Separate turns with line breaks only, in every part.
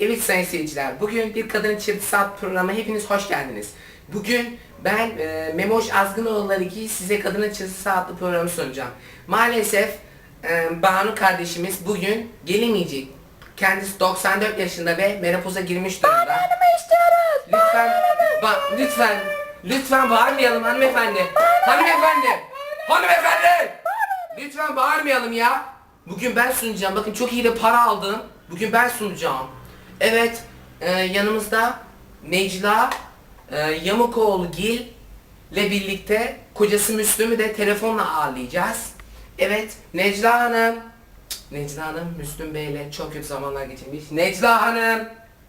Evet sayın seyirciler, bugün Bir Kadın Çırpısı adlı programa hepiniz hoş geldiniz. Bugün ben Memoş Azgınoğulları ki size Kadın Çırpısı adlı programı sunacağım. Maalesef Banu kardeşimiz bugün gelemeyecek. Kendisi 94 yaşında ve menopoza girmiş durumda.
Banu Hanım'ı istiyoruz.
Lütfen bağırmayalım hanımefendi. Hanımefendi! Lütfen bağırmayalım ya. Bugün ben sunacağım. Bakın çok iyi de para aldım. Bugün ben sunacağım. Evet, yanımızda Necla Yamukoğlu Gil ile birlikte kocası Müslüm'ü de telefonla ağırlayacağız. Evet, Necla Hanım. Necla Hanım, Müslüm Bey'le çok kötü zamanlar geçirmiş. Necla Hanım.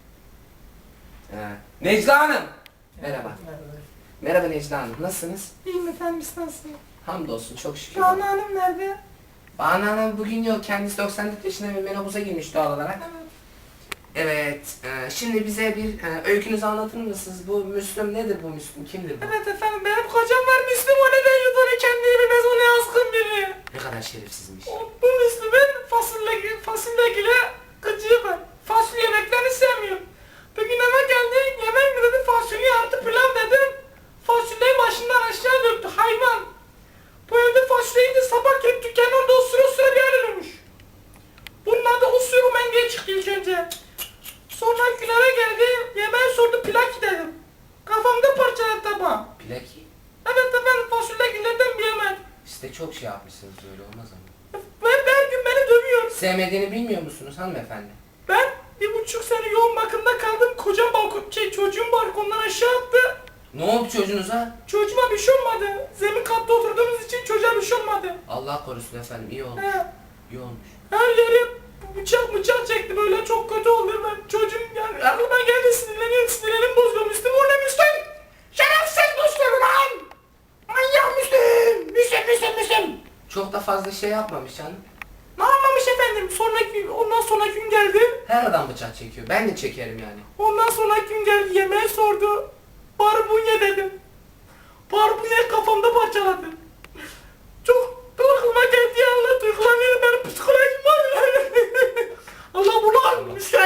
Necla Hanım. Merhaba. Merhaba Necla Hanım, nasılsınız?
İyiyim efendim, siz nasılsınız?
Hamdolsun, çok şükür.
Banu Hanım nerede?
Banu Hanım bugün yok, kendisi 94 yaşında ve menopoza girmiş doğal olarak. Evet, şimdi bize bir öykünüzü anlatır mısınız? Bu Müslüm nedir bu Müslüm? Kimdir bu?
Evet efendim, benim kocam var Müslüm, o neden yudunu kendini bilmez, o ne azgın biri.
Ne kadar şerefsizmiş.
Bu Müslüm'ün fasulyegile gıcığı var. Fasulye yemeklerini sevmiyor. Bugün eve geldi, yemek mi dedi, fasulye artı pilav dedim. Fasulyeyi başından aşağı döktü, hayvan. Bu evde fasulyeyi de sabah gelip dükkanın orada osura bir yer ölmüş. Bunun adı Usuru Menge'ye çıktı ilk önce. Sonra eve geldi, yemeği sordu, plaki dedim. Kafamda parçaladı tabağı.
Plaki.
Evet efendim, fasulyegillerden bir yemek.
Siz de çok şey yapmışsınız, öyle olmaz ama.
Ve her gün beni dövüyor.
Sevmediğini bilmiyor musunuz hanımefendi?
Ben 1,5 sene yoğun bakımda kaldım. Kocam çocuğum balkondan aşağı attı.
Ne oldu çocuğunuza?
Çocuğuma bir şey olmadı. Zemin katta oturduğumuz için çocuğa bir şey olmadı.
Allah korusun efendim, iyi olmuş.
He.
İyi olmuş.
Her yere bıçak çekti, böyle çok kötü oldu. Ben çocuğum yani aklıma geldi, sinirlerim bozuldu. Müslüm, o ne Müslüm? Şerefsiz Müslüm lan! Manyak Müslüm!
Çok da fazla şey yapmamış canım.
Ne anlamış efendim? Ondan sonraki gün geldi.
Her adam bıçak çekiyor. Ben de çekerim yani.
Ondan sonraki gün geldi, yemeği sordu. Barbunya dedim. Barbunya kafamda parçaladı. Çok aklıma geldi ya, Allah duygulanıyor, benim psikolojim var ya. Allah bunu almıştım.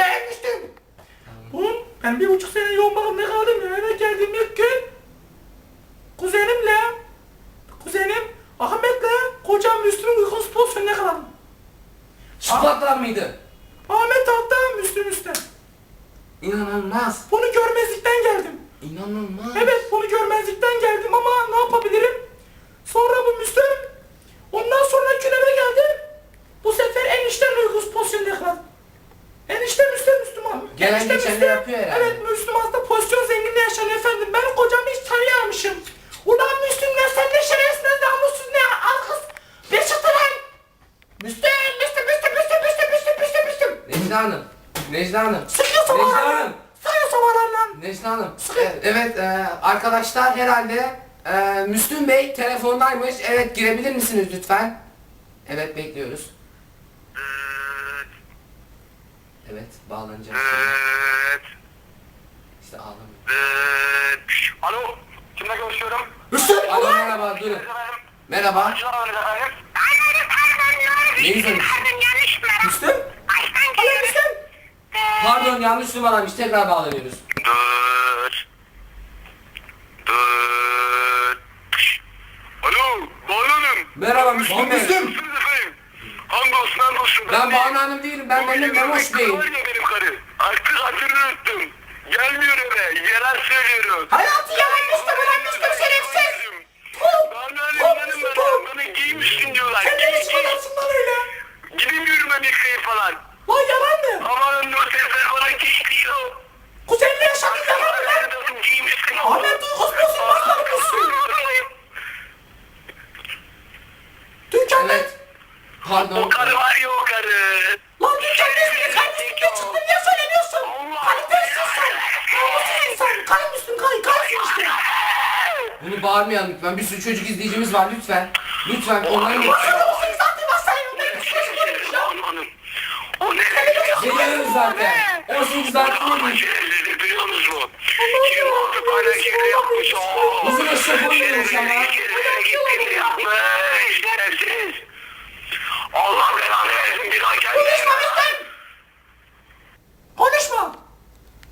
Ben 1,5 sene yoğun bakımda kaldım ya. Eve geldiğim ilk gün kuzenim Ahmet'le kocam Müslüm'ün uykusu pozisyonuna kaldım.
Çıplaklar mıydı?
Ahmet altta, Müslüm üstte.
İnanılmaz.
Bunu görmezlikten geldim.
İnanılmaz.
Evet, bunu görmezlikten geldim ama ne yapabilirim? Sonra bu Müslüm, ondan sonra eve geldim. Bu sefer enişten uykusu pozisyonuna kaldım. Enişte Müslüman.
Gelen
Enişte
geçeni
Müslüm.
yapıyor herhalde.
Evet, Müslüman'da pozisyon zenginliği yaşanıyor efendim. Ben kocamı hiç tanıyamamışım. Ulan Müslüm, ne sen ne şerefsiz, ne namussuz, ne arkız. Bir çıktı lan. Müslüm.
Necla Hanım.
Sıkıyor savarlar. Sıkıyor savarlar lan.
Necla Hanım. Evet, arkadaşlar herhalde Müslüm Bey telefondaymış. Evet, girebilir misiniz lütfen? Evet, bekliyoruz. Evet, bağlanacak. İşte ağlamıyor.
Alo, kimle görüşüyorum?
Müslüm.
Alo, merhaba, durun. Merhaba. Neyi söylemiş?
Müslüm. Alo Müslüm.
Pardon, yanlış numaraymış. Tekrar bağlanıyoruz.
Dur. Alo, Banu Hanım.
Merhaba Müslüm Bey.
Nasılsınız efendim? Hamdolsun.
Ben Banu Hanım değilim. Ben benim Memoş Bey'im.
Var ya benim karı. Artık hatırını unuttum. Gelmiyor eve. Yalan söylüyorum.
Hayatı yalan Müslüm, ulan Müslüm şerefsiz.
Banu Hanım bana giymişsin diyorlar.
Sen ne biçim adamsın lan öyle?
Gidemiyorum Amerika'ya falan.
Lan yalan mı?
Aman o sesler bana geliyor.
Kuzenle yaşadın yalan mı lan?
Giymişsin.
Ahmet duygusuz bozulmaz lan Müslüm. Dükkanda...
Evet. Pardon.
O karı var ya o karı.
Lan dükkanda ismini kaybettikte çıktın diye söylemiyorsun. Kalitesiz sen. Namussuz insan. Kay Müslüm, kaysın işte.
Bunu bağırmayalım lütfen. Bir sürü çocuk izleyicimiz var lütfen. Lütfen onların
Bana o sırf zaten basayım. Ben psikolojim bozulmuş ya.
Hanım. O ne?
Geliyoruz zaten. 18 dakika değil.
Şerefsiz biliyor musun? Kim oldu bana şaka yapmış o?
Bizim eşek oynuyormuş ama.
Şerefsiz yapmış. Şerefsiz. Allah belanı versin bir daha gelme.
Konuşma Müslüm. Konuşma.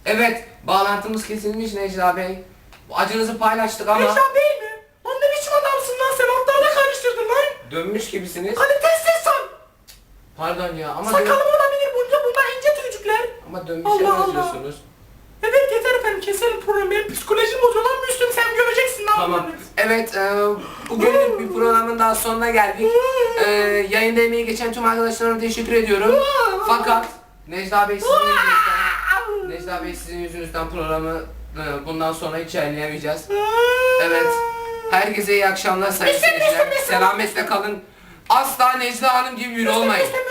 Evet, bağlantımız kesilmiş Necla Bey. Acınızı paylaştık ama
Necla Bey mi? Lan ne biçim adamsın lan sen ortalığı karıştırdın lan.
dönmüş gibisiniz.
Kalitesiz sen.
Pardon ya ama
Sakalım olabilir bunlar ince tüycükler.
ama dönmüşe
Allah Allah.
benziyorsunuz.
Evet yeter efendim keselim programı. Benim psikolojim bozuyor lan Müslüm sen göreceksin lan.
Tamam. Evet, bugünlük bir programın daha sonuna geldik. Yayında emeği geçen tüm arkadaşlarıma teşekkür ediyorum. Fakat Necla Bey sizin yüzünüzden programı bundan sonra hiç yayınlayamayacağız. Evet. Herkese iyi akşamlar sayın seyirciler. Selametle kalın. Asla Necla Hanım gibi biri olmayın.